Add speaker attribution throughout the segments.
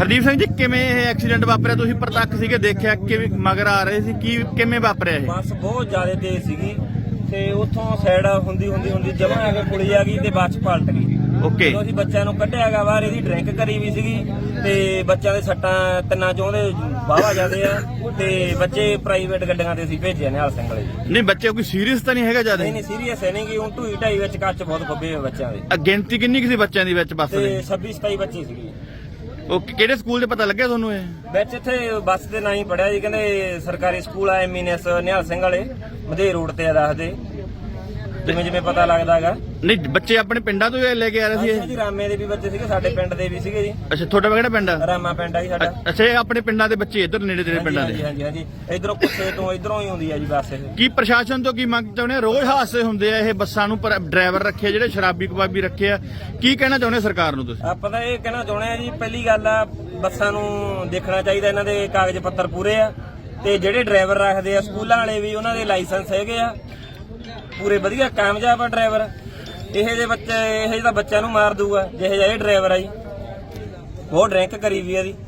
Speaker 1: ਹਰਦੀਪ ਸਿੰਘ ਜੀ ਕਿਵੇਂ ਇਹ ਐਕਸੀਡੈਂਟ ਵਾਪਰਿਆ? ਤੁਸੀਂ ਪ੍ਰਤੱਖ ਸੀਗੇ, ਦੇਖਿਆ ਕਿਵੇਂ ਮਗਰ ਆ ਰਹੇ ਸੀ, ਕੀ ਕਿਵੇਂ ਵਾਪਰਿਆ ਇਹ?
Speaker 2: ਬੱਸ ਬਹੁਤ ਜ਼ਿਆਦਾ ਤੇਜ਼ ਸੀਗੀ ਤੇ ਉੱਥੋਂ ਸਾਈਡ ਹੁੰਦੀ ਜਮਾਂ ਆ ਕੇ ਪੁਲੀ ਆ ਗਈ ਤੇ ਬੱਸ ਪਲਟ ਗਈ।
Speaker 1: ਓਕੇ,
Speaker 2: ਅਸੀਂ ਬੱਚਿਆਂ ਨੂੰ ਕੱਢਿਆਗਾ ਬਾਹਰ, ਇਹਦੀ ਡਰਿੰਕ ਕਰੀ ਵੀ ਸੀਗੀ ਤੇ ਬੱਚਿਆਂ ਦੇ ਸੱਟਾਂ ਤਿੰਨਾਂ ਚੋਂ ਦੇ ਵਾਹਵਾ ਜਾਂਦੇ ਆ ਤੇ ਬੱਚੇ ਪ੍ਰਾਈਵੇਟ ਗੱਡੀਆਂ ਤੇ ਅਸੀਂ ਭੇਜੇ ਨਿਹਾਲ ਸਿੰਘ ਵਾਲੇ।
Speaker 1: ਨਹੀਂ ਬੱਚੇ ਕੋਈ ਸੀਰੀਅਸ ਤਾਂ ਨਹੀਂ ਹੈਗਾ ਜਿਆਦਾ?
Speaker 2: ਨਹੀਂ ਸੀਰੀਅਸ ਹੈ ਨਹੀਂ ਕਿ ਹੁਣ ਢੂਈ ਢਾਈ ਵਿੱਚ ਕੱਚ ਬਹੁਤ ਖੱਬੇ ਹੋਏ ਬੱਚਿਆਂ ਦੇ।
Speaker 1: ਗਿਣਤੀ ਕਿੰਨੀ ਕੁ ਸੀ ਬੱਚਿਆਂ ਦੀ ਵਿੱਚ ਬੱਸ
Speaker 2: ਤੇ
Speaker 1: ਦੇ?
Speaker 2: 26-27 ਬੱਚੇ ਸੀਗੇ।
Speaker 1: ਓਕੇ, ਕਿਹੜੇ ਸਕੂਲ 'ਚ ਪਤਾ ਲੱਗਿਆ ਤੁਹਾਨੂੰ ਇਹ?
Speaker 2: ਵਿੱਚ ਇੱਥੇ ਬੱਸ ਦੇ ਨਾਂ ਹੀ ਪੜਿਆ ਜੀ, ਕਹਿੰਦੇ ਸਰਕਾਰੀ ਸਕੂਲ ਆ ਐਮਐਨਐਸ ਨਿਹਾਲ ਸਿੰਘ ਵਾਲੇ ਮਧੇ ਰੋਡ ਤੇ ਆ ਦੱਸਦੇ, ਜਿਵੇਂ ਪਤਾ ਲੱਗਦਾ ਹੈਗਾ।
Speaker 1: ਨਹੀਂ ਬੱਚੇ ਆਪਣੇ ਪਿੰਡਾਂ ਤੋਂ ਲੈ ਕੇ ਆ ਰਹੇ ਸੀ ਇਹ?
Speaker 2: ਜੀ ਰਾਮੇ ਦੇ ਵੀ ਬੱਚੇ ਸੀਗੇ, ਸਾਡੇ ਪਿੰਡ ਦੇ ਵੀ ਸੀਗੇ ਜੀ।
Speaker 1: ਅੱਛਾ, ਤੁਹਾਡਾ ਕਿਹੜਾ ਪਿੰਡ ਆ?
Speaker 2: ਰਾਮਾ ਪਿੰਡ ਆ ਜੀ ਸਾਡਾ।
Speaker 1: ਅੱਛਾ, ਇਹ ਆਪਣੇ ਪਿੰਡਾਂ ਦੇ ਬੱਚੇ ਇੱਧਰ ਨੇੜੇ ਤੇੜੇ ਪਿੰਡਾਂ ਦੇ?
Speaker 2: ਹਾਂਜੀ ਇਧਰੋਂ ਕੁੱਸੇ ਤੋਂ ਇਧਰੋਂ ਹੀ ਹੁੰਦੀ ਆ ਜੀ ਬੱਸ ਇਹ।
Speaker 1: ਕੀ ਪ੍ਰਸ਼ਾਸਨ ਤੋਂ ਕੀ ਮੰਗ ਚਾਹੁੰਦੇ ਆ? ਰੋਜ਼ ਹਾਦਸੇ ਹੁੰਦੇ ਆ ਇਹ ਬੱਸਾਂ ਨੂੰ, ਪਰ ਡਰਾਈਵਰ ਰੱਖੇ ਜਿਹੜੇ ਸ਼ਰਾਬੀ ਕਬਾਬੀ ਰੱਖੇ ਆ, ਕੀ ਕਹਿਣਾ ਚਾਹੁੰਦੇ ਸਰਕਾਰ ਨੂੰ ਤੁਸੀਂ?
Speaker 2: ਆਪਾਂ ਤਾਂ ਇਹ ਕਹਿਣਾ ਚਾਹੁੰਦੇ ਆ ਜੀ, ਪਹਿਲੀ ਗੱਲ ਆ ਬੱਸਾਂ ਨੂੰ ਦੇਖਣਾ ਚਾਹੀਦਾ ਇਹਨਾਂ ਦੇ ਕਾਗਜ਼ ਪੱਤਰ ਪੂਰੇ ਆ ਤੇ ਜਿਹੜੇ ਡਰਾਈਵਰ ਰੱਖਦੇ ਆ ਸਕੂਲਾਂ ਵਾਲੇ ਵੀ ਉਹਨਾਂ ਦੇ ਲਾਇਸੈਂਸ ਹੈਗੇ ਆ ਪੂਰੇ ਵਧੀਆ ਕਾਮਯਾਬ ਆ ਡਰਾਈਵਰ। ਇਹੋ ਜਿਹੇ ਤਾਂ ਬੱਚਿਆਂ ਨੂੰ ਮਾਰ ਦੂਗਾ ਜਿਹੇ ਜਿਹਾ ਇਹ ਡਰਾਈਵਰ ਆ ਜੀ, ਬਹੁਤ ਡਰਿੰਕ ਕਰੀ ਵੀ ਇਹਦੀ।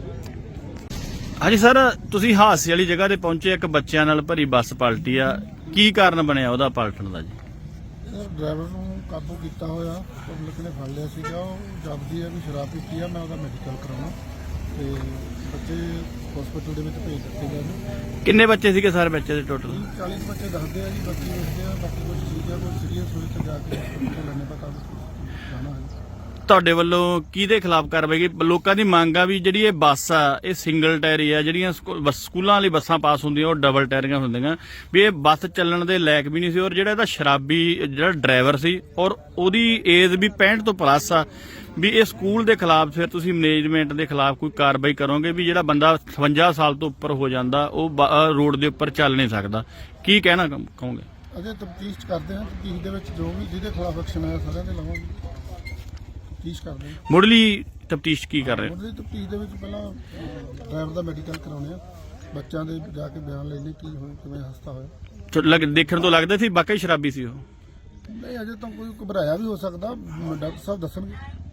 Speaker 1: ਹਾਂਜੀ ਸਰ, ਤੁਸੀਂ ਹਾਦਸੇ ਵਾਲੀ ਜਗ੍ਹਾ ਤੇ ਪਹੁੰਚੇ, ਇੱਕ ਬੱਚਿਆਂ ਨਾਲ ਭਰੀ ਬੱਸ ਪਲਟੀ ਆ, ਕੀ ਕਾਰਨ ਬਣਿਆ ਉਹਦਾ ਪਲਟਣ ਦਾ ਜੀ?
Speaker 3: ਸਰ ਡਰਾਈਵਰ ਨੂੰ ਕਾਬੂ ਕੀਤਾ ਹੋਇਆ, ਪਬਲਿਕ ਨੇ ਫੜ ਲਿਆ ਸੀਗਾ, ਉਹ ਜਪਦੀ ਹੈ ਵੀ ਸ਼ਰਾਬ ਪੀਤੀ ਆ, ਮੈਂ ਉਹਦਾ ਮੈਡੀਕਲ ਕਰਾਉਣਾ ਤੇ ਬੱਚੇ ਹਸਪੀਟਲ ਦੇ ਵਿੱਚ ਭੇਜ ਦਿੱਤੇ ਗਏ ਨੇ।
Speaker 1: ਕਿੰਨੇ ਬੱਚੇ ਸੀਗੇ ਸਰ ਬੱਚੇ ਦੇ ਟੋਟਲ?
Speaker 3: 40 ਬੱਚੇ ਦੱਸਦੇ ਆ ਜੀ, ਬਾਕੀ ਵੇਖਦੇ ਆ, ਬਾਕੀ ਕੁਝ ਸੀਗਾ ਕੋਈ ਸੀਰੀਅਸ ਹੋਏ ਤਾਂ ਜਾ ਕੇ ਹਸਪੀਟਲ ਲੈਣੇ ਪਤਾ ਜਾਣਾ ਹੈ।
Speaker 1: ਤੁਹਾਡੇ ਵੱਲੋਂ ਕਿਹਦੇ ਖਿਲਾਫ ਕਾਰਵਾਈ ਕੀ? ਲੋਕਾਂ ਦੀ ਮੰਗ ਆ ਵੀ ਜਿਹੜੀ ਇਹ ਬੱਸ ਆ ਇਹ ਸਿੰਗਲ ਟਾਇਰੀ ਆ, ਜਿਹੜੀਆਂ ਸਕੂਲਾਂ ਵਾਲੀ ਬੱਸਾਂ ਪਾਸ ਹੁੰਦੀਆਂ ਉਹ ਡਬਲ ਟਾਇਰੀਆਂ ਹੁੰਦੀਆਂ, ਵੀ ਇਹ ਬੱਸ ਚੱਲਣ ਦੇ ਲਾਇਕ ਵੀ ਨਹੀਂ ਸੀ। ਔਰ ਜਿਹੜਾ ਇਹਦਾ ਸ਼ਰਾਬੀ ਜਿਹੜਾ ਡਰਾਈਵਰ ਸੀ ਔਰ ਉਹਦੀ ਏਜ ਵੀ 65 ਤੋਂ ਪਲੱਸ ਆ, ਵੀ ਇਹ ਸਕੂਲ ਦੇ ਖਿਲਾਫ ਫਿਰ ਤੁਸੀਂ ਮੈਨੇਜਮੈਂਟ ਦੇ ਖਿਲਾਫ ਕੋਈ ਕਾਰਵਾਈ ਕਰੋਗੇ? ਵੀ ਜਿਹੜਾ ਬੰਦਾ 57 ਸਾਲ ਤੋਂ ਉੱਪਰ ਹੋ ਜਾਂਦਾ ਉਹ ਰੋਡ ਦੇ ਉੱਪਰ ਚੱਲ ਨਹੀਂ ਸਕਦਾ, ਕੀ ਕਹਿਣਾ ਕਹੋਗੇ?
Speaker 3: ਅਜੇ ਤਫਤੀਸ਼ ਕਰਦੇ ਹਾਂ, ਤਫਤੀਸ਼ ਦੇ ਵਿੱਚ ਜੋ ਵੀ ਜਿਹਦੇ ਖਿਲਾਫ ਐਕਸ਼ਨ ਆਇਆ ਸਾਰਿਆਂ ਦੇ ਲਵਾਂਗੇ, ਤਫਤੀਸ਼ ਕਰਦੇ ਹਾਂ।
Speaker 1: ਮੁੱਢਲੀ ਤਫਤੀਸ਼ ਕੀ ਕਰ ਰਹੇ ਹੋ?
Speaker 3: ਮੁੱਢਲੀ ਤਫਤੀਸ਼ ਦੇ ਵਿੱਚ ਪਹਿਲਾਂ ਡਰਾਈਵਰ ਦਾ ਮੈਡੀਕਲ ਕਰਾਉਣੇ ਆ, ਬੱਚਿਆਂ ਦੇ ਜਾ ਕੇ ਬਿਆਨ ਲੈਣੇ ਕੀ ਹੋਇਆ, ਕਿਵੇਂ ਹਾਦਸਾ ਹੋਇਆ।
Speaker 1: ਦੇਖਣ ਤੋਂ ਲੱਗਦਾ ਸੀ ਵਾਕਈ ਸ਼ਰਾਬੀ ਸੀ ਉਹ?
Speaker 3: ਨਹੀਂ, ਅਜੇ ਤਾਂ ਕੋਈ ਘਬਰਾਇਆ ਵੀ ਹੋ ਸਕਦਾ, ਡਾਕਟਰ ਸਾਹਿਬ ਦੱਸਣਗੇ।